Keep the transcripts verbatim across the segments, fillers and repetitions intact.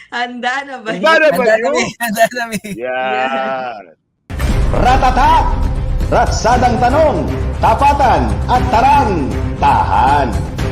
Handa na ba Handa na yun? ba Handa yun? kami, handa kami. Yan. Ratata! Ratsadang tanong, tapatan at tarang, tahan.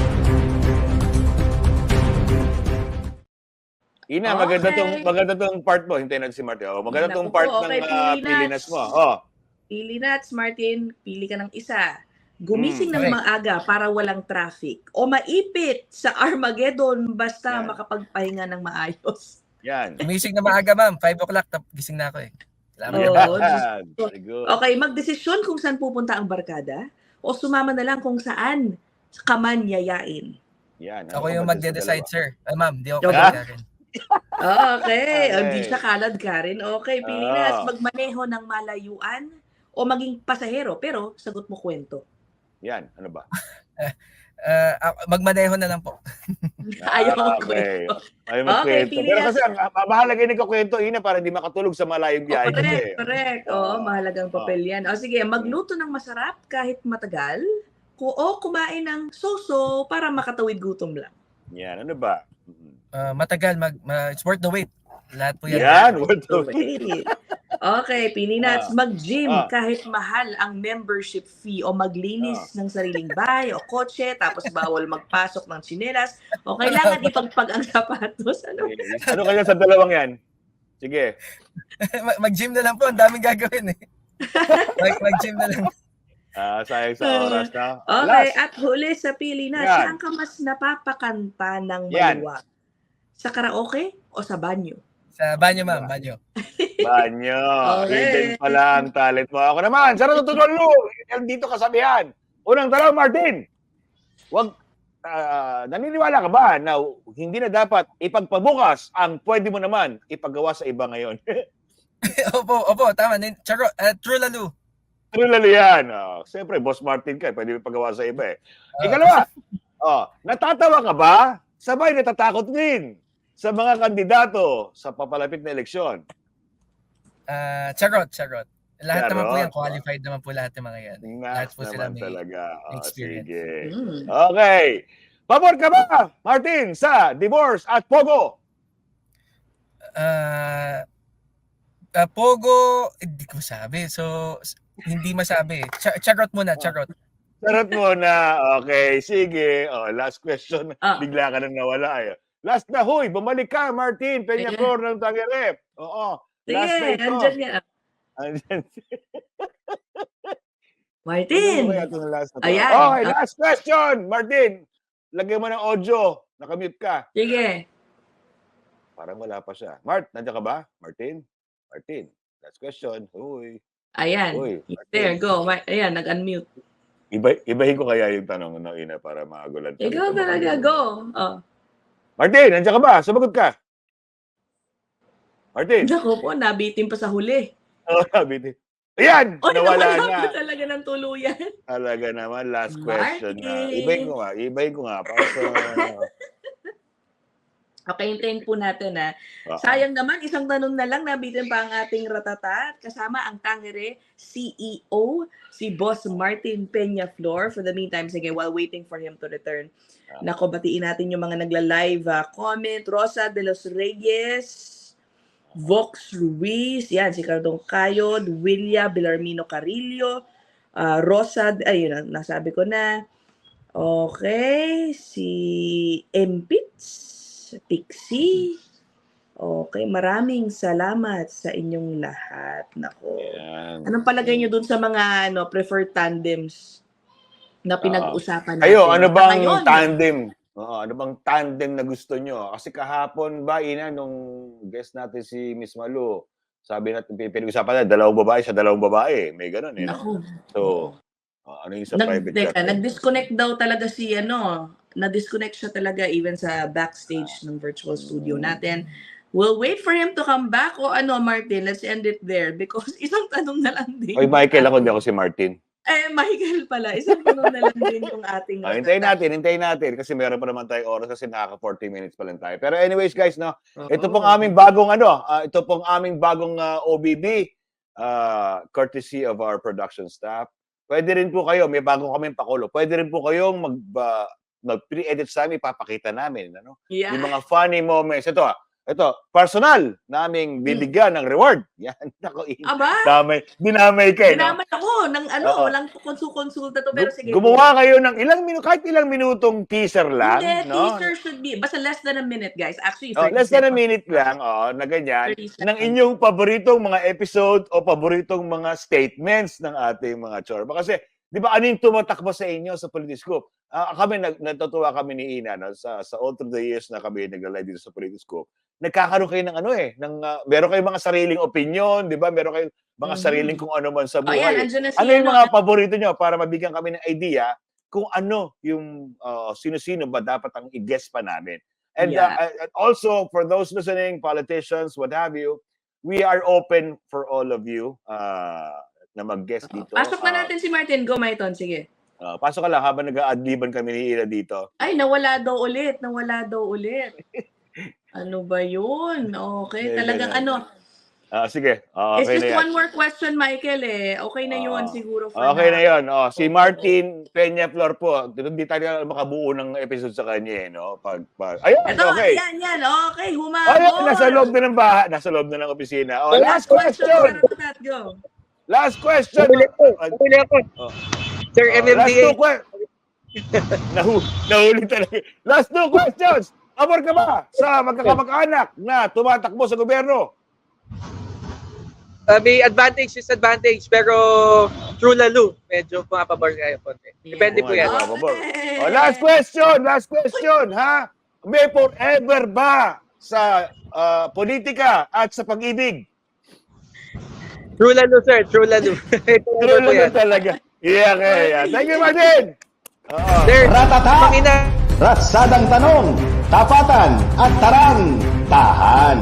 Ina, Okay. maganda tong maganda tong part mo. Hintayin natin si Martin. Oh, maganda Naku tong part po, okay, ng uh, pili Pilinas nuts. mo. Oh. Pili nuts, Martin. Pili ka ng isa. Gumising Mm, ng okay. maaga para walang traffic. O maipit sa Armageddon basta Yan. makapagpahinga ng maayos. Yan. Gumising na maaga, ma'am. five o'clock, tap, gising na ako eh. Salamat. Oo. Yan. Very good. Okay, magdesisyon kung saan pupunta ang barkada o sumama na lang kung saan ka man yayain. Yan. Ako Ano yung ka ba dyan sa magde-decide, dalawa? sir. Ay, ma'am, di ako Okay. kalad ka rin. Okay, Okay. hindi siya kalad ka rin. Okay, pili na. Ah. Magmaneho ng malayuan o maging pasahero pero sagot mo kwento. Yan. Ano ba? Uh, ako- magmaneho na lang po. Ayaw Ah, ang kwento. Ay, Okay, magkwento. pili Pero na. kasi ang ah, mahalaga yung nagkakwento, Ina, para hindi makatulog sa malayong Oh, biyahe kasi. correct, correct. Oo, Ah. mahalagang papel yan. O sige, magluto ng masarap kahit matagal ku- o kumain ng so-so para makatawid gutom lang. Yan. Ano ba? Mhm. Uh, matagal, mag, ma- it's worth the wait. Lahat po yan. Yan. What the Okay. Okay, pili nuts. Ah. Mag-gym Ah. kahit mahal ang membership fee o maglinis ng sariling bahay o kotse tapos bawal magpasok ng tsinelas o kailangan ipagpag ang sapatos. Ano? Ano kaya sa dalawang yan? Sige. Mag- mag-gym na lang po. Ang daming gagawin eh. Mag- mag-gym na lang. Ah, sayang sa oras na. Okay, Last. at huli sa pili na, Yan. saan ka mas napapakanta ng Yan. maluwag? Sa karaoke o sa banyo? Sa banyo, ma'am. Banyo. Banyo. Okay. Hidden pala ang talent mo. Ako naman, sa natutunan mo, yan dito kasabihan. Unang tanong, Martin. Wag, ah, naniniwala ka ba na hindi na dapat ipagpabukas ang pwede mo naman ipagawa sa iba ngayon? opo, opo. Tama. Nin- Charo, uh, true lalo. True lalo yan. Oh, Siyempre, Boss Martin ka, pwede mo ipagawa sa iba eh. Ah, Ikalawa, oh, natatawa ka ba? Sabay natatakot din sa mga kandidato sa papalapit na eleksyon. Ah, charot, charot. Lahat naman po Charot. yan. Qualified naman po lahat ng mga yan. Lahat Nice po sila naman may talaga. Oh, experience. sige. Mm. Okay. Pabor ka ba, Martin, sa divorce at pogo? Ah, ah, Pogo, hindi ko masabi. So, s- hindi masabi. Ch- charot muna, charot. Sarot mo na. Okay, sige. Oh, last question. Ah. Bigla ka nang nawala eh. Last na, huy, bumalik ka, Martin, Peñaflor ng Tangerep. Oo. Last na Sige, ito. andyan yan. Andyan. Martin! Ano ba ito na last na to? Ayan. Okay, last question, Martin. Lagyan mo ng audio. Nakamute ka. Sige. Parang wala pa siya. Mart, nandiyan ka ba? Martin? Martin, last question. Huy. Ayan. Uy, There, Martin. go. Ma- Ayan, nag-unmute. Iba, ibahin ko kaya yung tanong ng ina para magulat. Ikaw talaga, go. Oh. Martin, nandiyan ka ba? Sumagot ka. Martin. Naku po, nabitin pa sa huli. Oh, sabi Ayan! O, nawala nawala na. pa talaga ng tuluyan. Talaga naman, last question na. Martin. Ibahin ko nga, ibahin ko nga. Para sa... Okay, hintayin po natin ha. Ah, Sayang naman, isang tanong na lang, nabitin pa ang ating ratata. Kasama ang Tangere C E O, si Boss Martin Peñaflor. For the meantime, sige, while waiting for him to return. Ah. Nako, batiin natin yung mga nagla-live ah, comment. Rosa de los Reyes, Vox Ruiz, yan, si Cardong Cayod, Willia Belarmino Carillo, ah, Rosa, ayun, na- nasabi ko na. Okay, si Empits, Pixie. Okay, maraming salamat sa inyong lahat. Nako. Ayan. Anong palagay nyo dun sa mga ano preferred tandems na pinag-usapan natin? Kayo, ano bang Ngayon, tandem? Oo, ano bang tandem na gusto nyo? Kasi kahapon ba, Ina, nung guest natin si Miss Malu, sabi natin, pinag-usapan na, dalawang babae sa dalawang babae. May ganun eh. No? Naku. So, uh, ano yung sa Nag, private teka, chat? nag-disconnect daw talaga si ano, na-disconnect siya talaga even sa backstage ng virtual studio natin. We'll wait for him to come back o ano, Martin, let's end it there because isang tanong na lang din. Oy, Michael, ako hindi ako si Martin. Eh, Michael pala, isang tanong na lang din yung ating... Ah, hintayin natin, hintayin natin kasi meron pa naman tayong oras kasi nakaka forty minutes pa lang tayo. Pero anyways, guys, no, Oo. ito pong aming bagong ano, ah, ito pong aming bagong ah, O B B, ah, courtesy of our production staff. Pwede rin po kayo, may bagong kaming pakulo. Pwede rin po kayong mag ah, mag pre-edit sa amin, ipapakita namin, ano? Yeah. Yung mga funny moments. Ito ah, ito, personal naming bibigyan ng reward. Yan, nako, Aba, damay, dinamay ka, eh, no? ginaman ako ng ano, Oo. walang konsul-konsulta to, pero sige. Gumawa kayo ng ilang minuto, kahit ilang minutong teaser lang, Hindi, no? teaser should be, basta less than a minute, guys. Actually, Oh, thirty less than a seconds. minute lang, oh, na ganyan, thirty ng seconds. inyong paboritong mga episode o paboritong mga statements ng ating mga chorba. Kasi, di ba, ano yung tumatakbo sa inyo sa Politiscope? Ah, kami, nag, natutuwa kami ni Ina, no? sa, sa all through the years na kami nag-live dito sa Politiscope. Nagkakaroon kayo ng ano eh, ng, uh, meron kayong mga sariling opinion, di ba? Meron kayong mga Mhm. sariling kung ano man sa Oh, ayan, buhay. andyan na si Ano yung ano, mga paborito nyo para mabigyan kami ng idea kung ano yung uh, sino-sino ba dapat ang i-guess pa namin. And Yeah. uh, and also, for those listening, politicians, what have you, we are open for all of you uh, na mag-guess dito. Pasok na Uh, natin si Martin. Go, Maiton. Sige. uh, pasok ka lang habang nag-a-adliban kami ni Ira dito. Ay, nawala daw ulit. Nawala daw ulit. Ano ba yun? Okay. Hindi, Talagang hindi. ano. Uh, sige, uh, It's okay just na yan. one more question, Michael eh. Okay na yun Ah, siguro for Okay now. na yun. Oh, si Martin Peña Flor po, hindi tayo makabuo ng episode sa kanya eh, no? Pag, pag... Ayun, Ito, okay. yan, yan. Okay, humabol. Ayun, nasa loob na ng bahay, nasa loob na ng opisina. Oh, last Last question. question. Ratatat, go. Last question. Huli ko. Uh, Huli ako. oh. Sir Oh, M M last D A. two questions. Nahu nahuli talaga. Last two questions. Amor ka ba sa magkakamag-anak na tumatakbo sa gobyerno? Uh, may advantage, disadvantage, pero true lalo. Medyo pumapabor kayo konti. Depende po yan. Oh, pabor. Oh, last question, last question, ha? May forever ba sa uh, politika at sa pag-ibig? True lalo, sir. True lalo. True True lalo po yan. lang talaga. Yeah, okay. Yeah. Thank you, Martin. Oo. Sir, Ratata! Pangina. Ratsadang tanong, tapatan at tarang, tahan.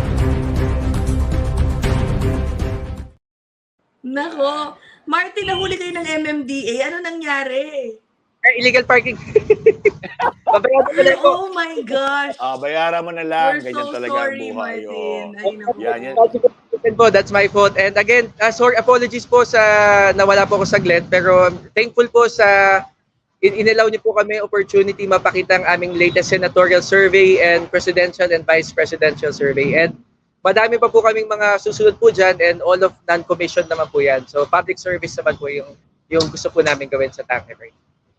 Nako. Martin, nahuli kayo ng M M D A. Ano nangyari? Sir, illegal parking. Babayaran ko na po. Oh my gosh. Ah, bayaran mo na lang. We're Ganyan so talaga ang sorry, buhay. Martin. Oh. Ay, naku. Yan, yan. Po, that's my fault. And again, uh, sorry, apologies po sa nawala po ako saglit. Pero I'm thankful po sa in inilaw niyo po kami opportunity mapakita ang aming latest senatorial survey and presidential and vice presidential survey. And madami pa po kaming mga susunod po dyan and all of non-commissioned naman po yan. So public service naman po yung, yung gusto po namin gawin sa Tanqueray.